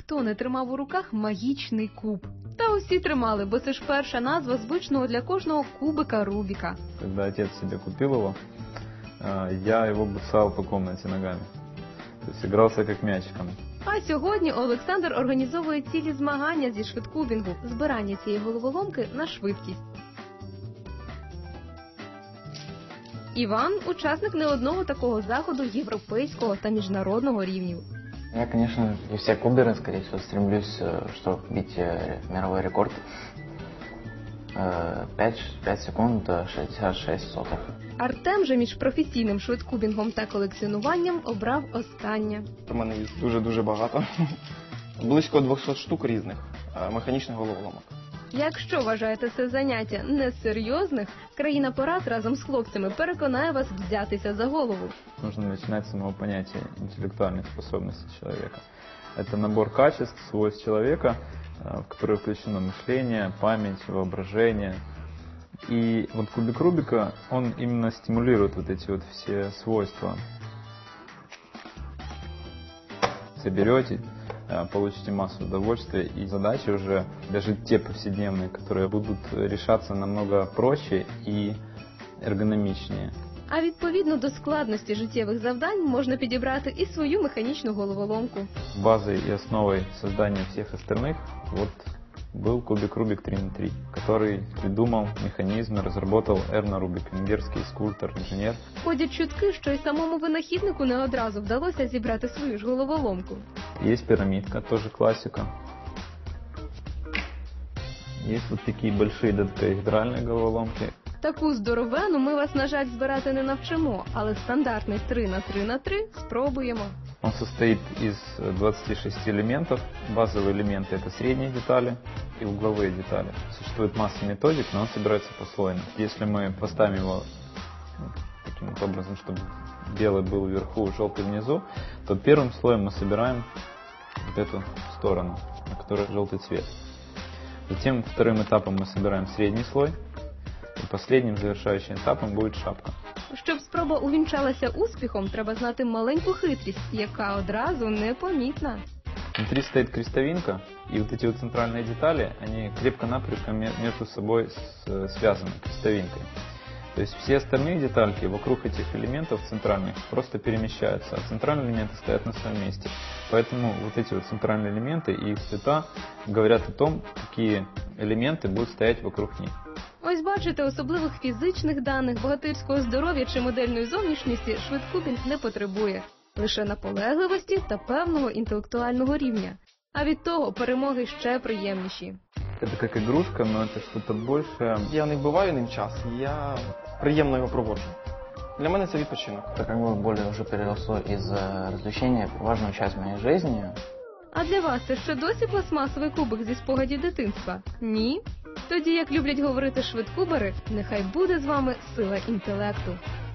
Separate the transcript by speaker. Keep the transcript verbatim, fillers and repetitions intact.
Speaker 1: ніхто не тримав у руках магічний куб. Та усі тримали, бо це ж перша назва звичного для кожного кубика Рубіка.
Speaker 2: Когда отец себе купил его, я его бросал по комнате ногами. То есть игрался как мячиком.
Speaker 1: А сьогодні Олександр організовує цілі змагання зі швидкубінгу, збирання цієї головоломки на швидкість. Іван – учасник не одного такого заходу європейського та міжнародного рівнів.
Speaker 3: Я, конечно, и все куберы, скорее всего, стремлюсь, чтобы бить мировой рекорд. пять секунд шестьдесят шесть сотых.
Speaker 1: Артем же між професійним швидкубінгом та колекціонуванням обрав останнє.
Speaker 4: У мене їх дуже-дуже багато. Близько двісті штук різних механічних головоломок.
Speaker 1: Якщо вважаєте це заняття несерйозних, країна порад разом з хлопцями переконає вас взятися за голову.
Speaker 2: Нужно начинать с самого понятия интеллектуальных способностей человека. Это набор качеств, свойств человека, в которые включено мышление, память, воображение. И вот кубик Рубика, он именно стимулирует вот эти вот все свойства. Соберете, получите массу удовольствия, и задачи уже, даже те повседневные, которые будут решаться намного проще и эргономичнее.
Speaker 1: А відповідно до складності життєвих завдань можна підібрати і свою механічну головоломку.
Speaker 2: Базой и основой создания всех остальных вот был кубик Рубик три на три, который придумал механизм, разработал Эрно Рубик, венгерский скульптор, инженер.
Speaker 1: Ходять чутки, що й самому винахіднику не одразу вдалося зібрати свою ж головоломку.
Speaker 2: Есть пирамидка, тоже классика. Есть вот такие большие додекаэдральные головоломки.
Speaker 1: Таку здоровену ми вас, на жаль, збирати не навчимо, але стандартний три на три на три спробуємо.
Speaker 2: Он состоит из двадцати шести элементов. Базовые элементы — это средние детали и угловые детали. Существует масса методик, но он собирается послойно. Если мы поставим его таким вот образом, чтобы белый был вверху, желтый внизу, то первым слоем мы собираем вот эту сторону, на которой желтый цвет. Затем вторым этапом мы собираем средний слой. І последнім завершаючим етапом буде шапка.
Speaker 1: Щоб спроба увінчалася успіхом, треба знати маленьку хитрість, яка одразу непомітна.
Speaker 2: Внутри стоит крестовинка, и вот эти вот центральные детали, они крепко-накрепко между собой связаны крестовинкой. То есть все остальные детальки вокруг этих элементов центральных просто перемещаются, а центральные элементы стоят на своем месте. Поэтому вот эти вот центральные элементы и их цвета говорят о том, какие элементы будут стоять вокруг них.
Speaker 1: Ось бачите, особливих фізичних даних, богатирського здоров'я чи модельної зовнішності швидкубінг не потребує. Лише наполегливості та певного інтелектуального рівня. А від того перемоги ще приємніші.
Speaker 2: Це як ігрушка, але це щось більше.
Speaker 4: Я не вбиваю ним час, я приємно його проводжу. Для мене це відпочинок.
Speaker 3: Это как бы более уже переросло из развлечения в важную часть моей жизни.
Speaker 1: А для вас це ще досі пластмасовий кубик зі спогадів дитинства? Ні? Тоді, як люблять говорити швидкубери, нехай буде з вами сила інтелекту.